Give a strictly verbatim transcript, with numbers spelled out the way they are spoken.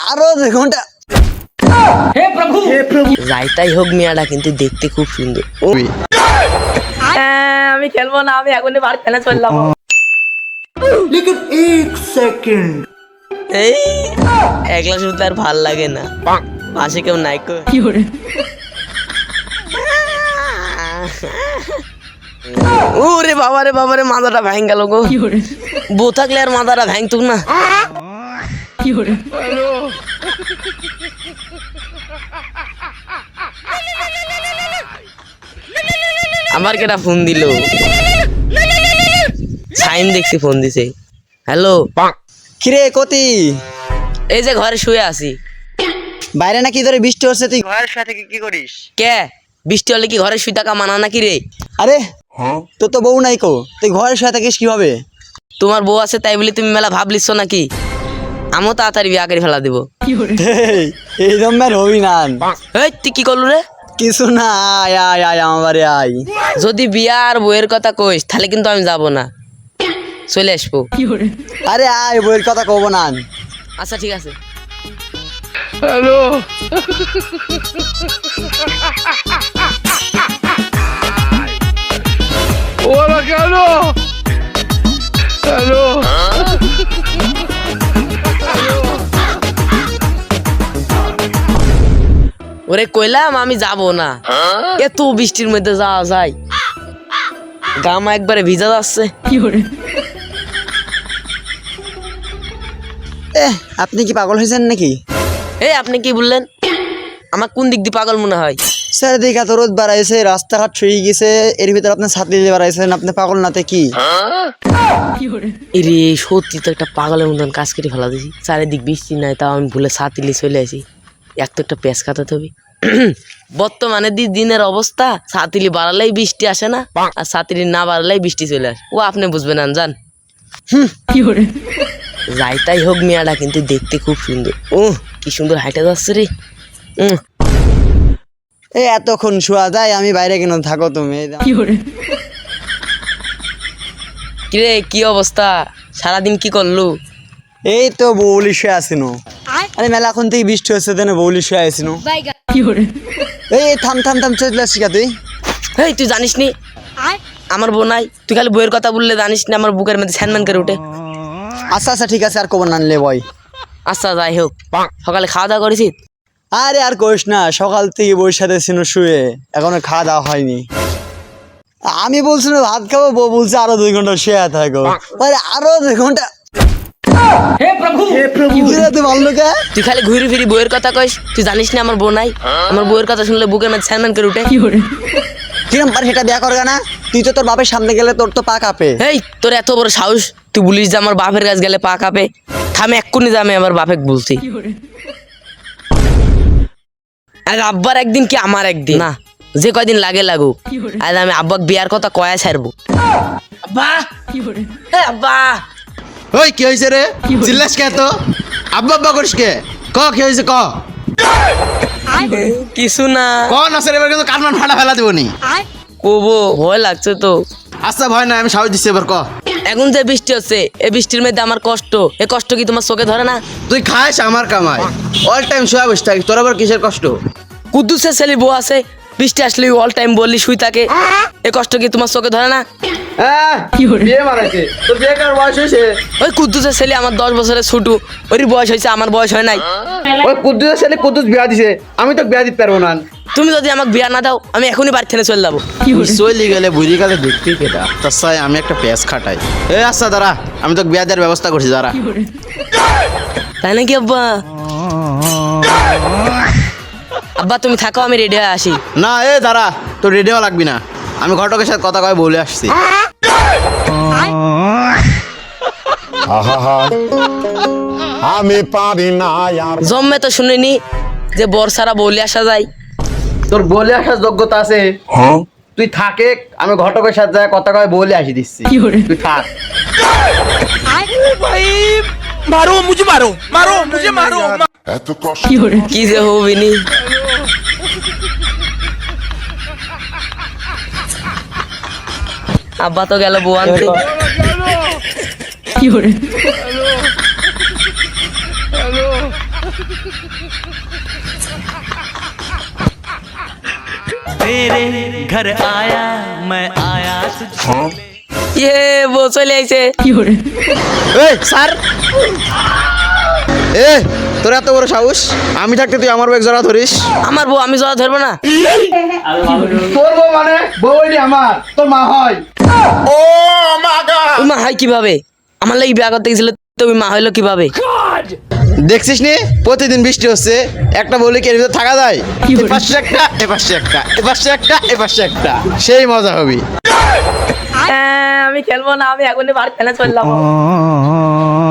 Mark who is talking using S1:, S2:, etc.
S1: আরো দুই ঘন্টা।
S2: হে প্রভু হে প্রভু
S3: যাইতাই হোক মিয়াটা কিন্তু দেখতে খুব সুন্দর। ও আমি খেলবো না, আমি এখনই বাড়ি খেলে চললাম।
S2: लेकिन एक सेकंड
S3: এই একলা শুনতে আর ভাল লাগে না, পাশে কেউ নাই কো। ওরে বাবারে বাবারে মাথাটা ভেঙে গেল গো। বউ থাকলে আর মাথাটা ভাঙতুক না। আমার কেটা ফোন দিল, সাইন দেখছি ফোন দিছে। হ্যালো
S1: কিরে কতি?
S3: এই যে ঘরে শুয়ে আছি।
S1: বাইরে নাকি ধরে বৃষ্টি হচ্ছে, তুই ঘরের সাথে কি করিস?
S3: কে বৃষ্টি হলে কি ঘরে শুই থাকা মানা নাকি রে?
S1: আরে তোর তো বউ নাই কো, তুই ঘরের সাথে থাকিস কিভাবে?
S3: তোমার বউ আছে তাই বলে তুমি মেলা ভাব লিখছো নাকি? আমিও তাড়াতাড়ি বিয়া করে ফেলা দেবো।
S1: এই দমের হবি না।
S3: এই তুই কি করলু রে?
S1: কিছু না, আয় আয় আয় আমার বাড়ি আয়।
S3: যদি বিয়া আর বউয়ের কথা কইস তাহলে কিন্তু আমি যাব না, চলে আসবো।
S1: আরে আয়, বউয়ের কথা কব না।
S3: আচ্ছা ঠিক আছে।
S2: हेलो ওরা কেন? হ্যালো
S3: ওরে কইলাম আমি যাব না, এত বৃষ্টির মধ্যে যাওয়া যায়? গামা একবারে ভিজা যাচ্ছে।
S1: এ আপনি কি পাগল হয়েছেন নাকি?
S3: এই আপনি কি বললেন? আমার কোন দিক দিয়ে পাগল মনে হয়?
S1: চারিদিকে এত রোদ বাড়াইছে, রাস্তাঘাট শুয়ে গেছে, এর ভিতরে আপনি ছাতি দিয়ে বাড়াইছেন, আপনি পাগল নাতে কি?
S3: এরে সত্যি তো একটা পাগলের মতন কাজ করে ফেলা দিছি। চারিদিক বৃষ্টি নাই, তাও আমি ভুলে ছাতি নিয়ে চলে আসি। এক তো একটা পেঁচ কাটাতে হবে। বর্তমানে দি দিনের অবস্থা, ছাতিলি বাড়ালেই বৃষ্টি আসে না, আর ছাতিলি না বাড়ালেই বৃষ্টি চলে আসে। ও আপনি বুঝবেন না জান। যাইতাই হোক মিয়াটা কিন্তু দেখতে খুব সুন্দর। ও কি সুন্দর হাইটা যাচ্ছে রে। উম,
S1: এই এতক্ষণ শোয়া যায়, আমি বাইরে কেন থাকো তুমি?
S3: কিরে কি অবস্থা, সারাদিন কি করলু?
S1: এই তো বৌলি শুয়ে আসিনো। আরে মেলা এখন থেকে বৃষ্টি হচ্ছে, দেন বৌলি শুয়ে আসিনো। এই থাম থাম থাম, চলে আসছি কা তুই?
S3: হেই তুই জানিস নি আমার বউ নাই? তুই খালি বইয়ের কথা বললে জানিস না আমার বুকের মধ্যে স্যানম্যান করে উঠে।
S1: আচ্ছা আচ্ছা ঠিক আছে, আর কবর নানলে বয়।
S3: আচ্ছা যাই হোক, সকালে খাওয়া দাওয়া করেছিস?
S1: আরে আর কইস না, সকাল থেকে বউর সাথে ছিল শুয়ে, এখনো খাওয়া দাওয়া হয়নি। আমি বলছি না ভাত খাবো, বউ বলছে আরো দুই ঘন্টা শুয়ে থাকো। আরে আরো দুই ঘন্টা।
S2: হে প্রভু হে প্রভু
S1: তুই ভালো কে?
S3: তুই খালি ঘুরি ফিরি বইয়ের কথা কইস। তুই জানিস না আমার বউ নাই? আমার বউয়ের কথা শুনলে বুকের মধ্যে স্যানম্যান করে উঠে।
S1: কিরম পার সেটা বিয়া করবে না? তুই তো তোর বাপের সামনে গেলে তোর তো পা কাঁপে।
S3: হেই তোর এত বড় সাহস, তুই বলিস যে আমার বাপের কাছে গেলে পা কাঁপে? থামে এক্ষুনি যা, আমি আমার বাপেক বলছি। আজ আব্বার একদিন কি আমার একদিন না, যে কয়দিন লাগে লাগুক, আজ আমি আব্বাক বিয়ার কথা কয়া ছাড়বো। আব্বা হে আব্বা।
S4: ওই কি হয়েছে রে? চিল্লাস কে তো? আব্বা আব্বা করিস কে? ক কি হয়েছে ক?
S3: কিছু না।
S4: ক না স্যার, এবার কিন্তু কানমান ফাটা ফেলা দেবনি।
S3: কবো ভয় লাগছে তো।
S4: আচ্ছা ভয় না, আমি সাহস দিচ্ছি, এবার ক।
S3: এখন যে বৃষ্টি হচ্ছে, এই বৃষ্টির মধ্যে আমার কষ্ট, এই কষ্ট কি তোমার চোখে ধরে না?
S4: তুই খাস আমার কামাই, অল টাইম শুয়ে বসে থাকিস, তোর আবার কিসের কষ্ট?
S3: কুদ্দুসের ছেলে বউ আছে, বৃষ্টি আসলে অল টাইম বললি শুই থাকে, এই কষ্ট কি তোমার চোখে ধরে না?
S4: বিয়ে মারাইছে তোর, বিয়ে করার বয়স হয়েছে?
S3: ওই কুদ্দুসের ছেলে আমার দশ বছরের ছোট, ওর বয়স হয়েছে, আমার বয়স হয় নাই।
S4: ওই কুদ্দুসের ছেলে কুদ্দুস বিয়া দিছে, আমি তো বিয়া দিতে পারবো না।
S3: তুমি যদি আমাকে বিয়া না দাও, আমি এখনই বাড়ি থেকে চলে যাবো।
S4: চলে গেলে বুঝি গেলে দেখবি কেটা, তার সাথে আমি একটা পেঁচ খাটাই। এ আচ্ছা দাঁড়া, আমি তো বিয়া দেওয়ার ব্যবস্থা করছি, দাঁড়া।
S3: তাই নাকি আব্বা? আব্বা তুমি থাকো, আমি রেডি হয়ে আসি।
S4: না এ দাঁড়া, তোর রেডিও লাগবি না, আমি ঘটকের সাথে কথা কয়ে বলে আসছি।
S5: আমি পারি না আর।
S3: জন্মে তো শুনিনি যে বর্ষারা বলে আসা যায়।
S4: তোর বলে আসার যোগ্যতা আছে? তুই থাকে, আমি ঘটকের সাথে যায় কথা কয়ে বলে আসি দিচ্ছি, তুই থাক।
S2: मारो मुझे मारो मारो मुझे मारो
S5: এত কষ্ট
S3: কি যে হবিনি। আব্বা তো গেল বউ আনতে।
S2: हेलो
S3: ইয়ে বউ চলে আইছে
S4: এই স্যার এ তোর এত বড় সাহস আমি থাকতে তুই আমার ব্যাগ জড়া ধরিস
S3: আমার বউ আমি জড়া ধরবো না
S4: তোর বউ মানে বউই আমার তোর মা হয়
S3: ওই মা হয় কিভাবে আমার লাগি বিয়া করতে গেছিল তুমি মা হইলো কিভাবে
S4: দেখছিস নি প্রতিদিন বৃষ্টি হচ্ছে একটা বলি কি এর ভিতর থাকা যায় এপাশে একটা এপাশে একটা এপাশে একটা এপাশে একটা সেই মজা হবে
S3: হ্যাঁ, আমি খেলবো না আমি এখনই বাড়ি ফেলে চললাম